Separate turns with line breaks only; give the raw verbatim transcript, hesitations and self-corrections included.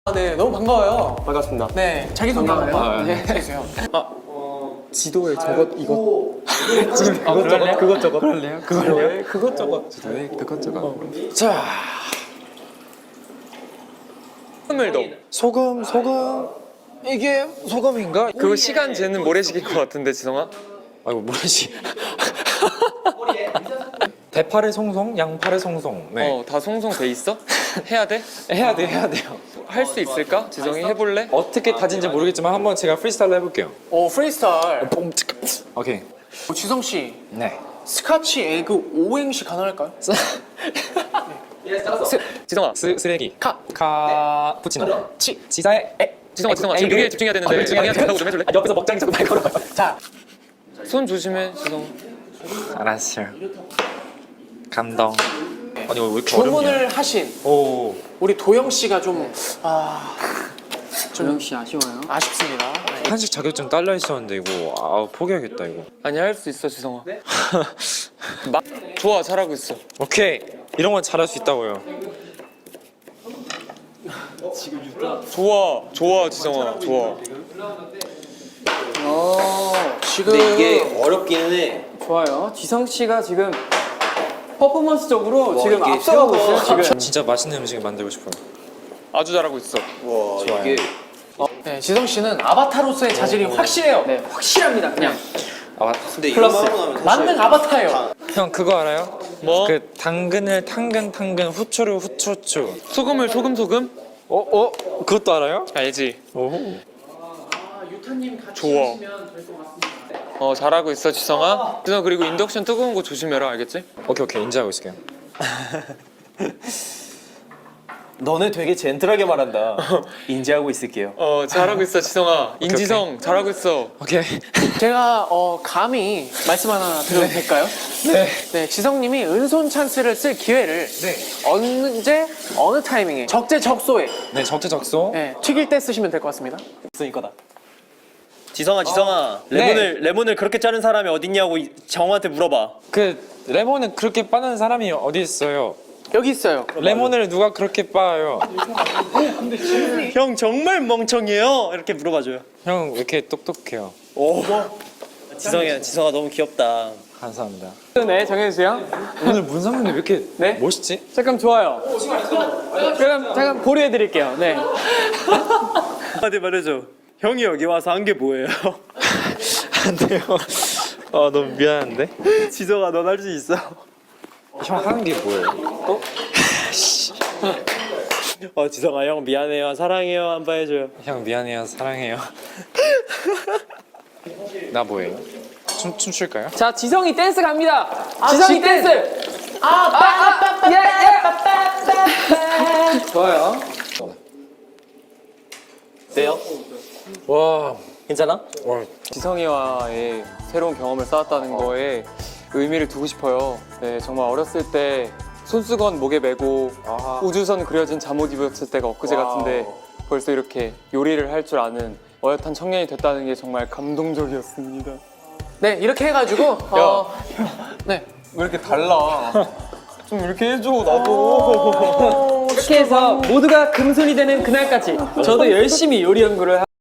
네, 너무 반가워요.
반갑습니다.
네, 자기소개 한번
아,
네, 해주세요.
아, 지도에 저것 이것
아,
그것 저것 그것 저것
그럴래요?
그걸래요? 그것 저것 지도에 그것 저것.
자,
소금을도
소금 소금 이게 소금인가?
그거 시간 재는 모래시계인 것 같은데 지성아?
아이고 뭐지? 대파를 송송, 양파를 송송. 네.
어 다 송송 돼 있어? 해야 돼?
해야 돼, 해야 돼요.
할 수 있을까? 지성이 해볼래?
어떻게 다진지 모르겠지만 한번 제가 프리스타일로 해볼게요.
오 프리스타일.
오케이.
어, 지성 씨,
네.
스카치 에그 오행시 가능할까요?
스, 지성아
쓰, 쓰레기.
카,
카 푸치노.
치.
지사에 에.
지성아 지성아 지금 요리에 집중해야 되는데 집중해야 된다고 좀 해줄래?
아, 옆에서 먹장이 자꾸 날 걸어요.
자,
손 조심해 지성.
알았어요. 감동. 아니 왜 이렇게 어렵냐?
주문을 하신
오.
우리 도영 씨가 좀 아,
조영 씨 아쉬워요.
아쉽습니다. 네.
한식 자격증 딸려 있었는데 이거 아 포기하겠다 이거.
아니 할 수 있어 지성아. 막 좋아 잘하고 있어.
오케이 이런 건 잘할 수 있다고요.
좋아 좋아 지성아 좋아.
어, 지금
근데 이게 어렵기는 해. 좋아요. 지성 씨가 지금 퍼포먼스적으로 지금
이게
앞서가고
세워서
있어요. 지금.
진짜 맛있는 음식 만들고 싶어요.
아주 잘하고 있어.
와 이게
네, 지성 씨는 아바타로서의 자질이 확실해요.
네, 확실합니다. 그냥.
아,
근데
플러스.
이거 하고 나면 사실
만능 아바타예요.
형 그거 알아요?
뭐?
그 당근을 당근 당근 후추를 후추 후추.
소금을 소금 소금?
어 어? 그것도 알아요?
알지.
오.
좋아. 어 잘하고 있어 지성아. 지성 그리고 인덕션 뜨거운 거 조심해라 알겠지?
오케이 오케이 인지하고 있을게요.
너네 되게 젠틀하게 말한다. 인지하고 있을게요.
어 잘하고 있어 지성아. 인지성 잘하고 있어.
오케이.
제가 어, 감히 말씀 하나 드려도 될까요?
네.
네, 지성님이 은손 찬스를 쓸 기회를
네.
언제 어느 타이밍에 적재적소에
네 적재적소.
네, 튀길 때 쓰시면 될 것 같습니다.
있을 거다. 지성아 지성아 레몬을 레몬을 그렇게 자른 사람이 어딨냐고 이- 정우한테 물어봐.
그 레몬을 그렇게 빠는 사람이 어디 있어요?
여기 있어요.
레몬을 누가 그렇게 빠요?
형 정말 멍청해요. 이렇게 물어봐줘요.
형 왜 이렇게 똑똑해요?
오. 지성이야 지성아 너무 귀엽다.
감사합니다.
네, 정해주세요.
오늘 문상민이 왜 이렇게
네?
멋있지?
잠깐 좋아요. 그럼 잠깐 보류해드릴게요. 네.
한마디 말해줘. 형이 여기 와서 한 게 뭐예요?
안 돼요. 아 너무 미안한데.
지성아 넌 할 수 있어.
형 하는 게 뭐예요?
어 지성아 형 미안해요 사랑해요 한 번 해줘요.
형 미안해요 사랑해요. 나 뭐예요? 춤 춤출까요?
자, 지성이 댄스 갑니다.
아,
지성이
지-
댄스. 아, 아, 아, 예, 예. 좋아요.
어때요?
와.
괜찮아?
와.
지성이와의 새로운 경험을 쌓았다는 거에 의미를 두고 싶어요. 네, 정말 어렸을 때 손수건 목에 메고
아하.
우주선 그려진 잠옷 입었을 때가 엊그제 같은데 벌써 이렇게 요리를 할 줄 아는 어엿한 청년이 됐다는 게 정말 감동적이었습니다.
네, 이렇게 해가지고 어, 네.
왜 이렇게 달라? 좀 이렇게 해줘 나도.
이렇게 해서 모두가 금손이 되는 그날까지 저도 열심히 요리 연구를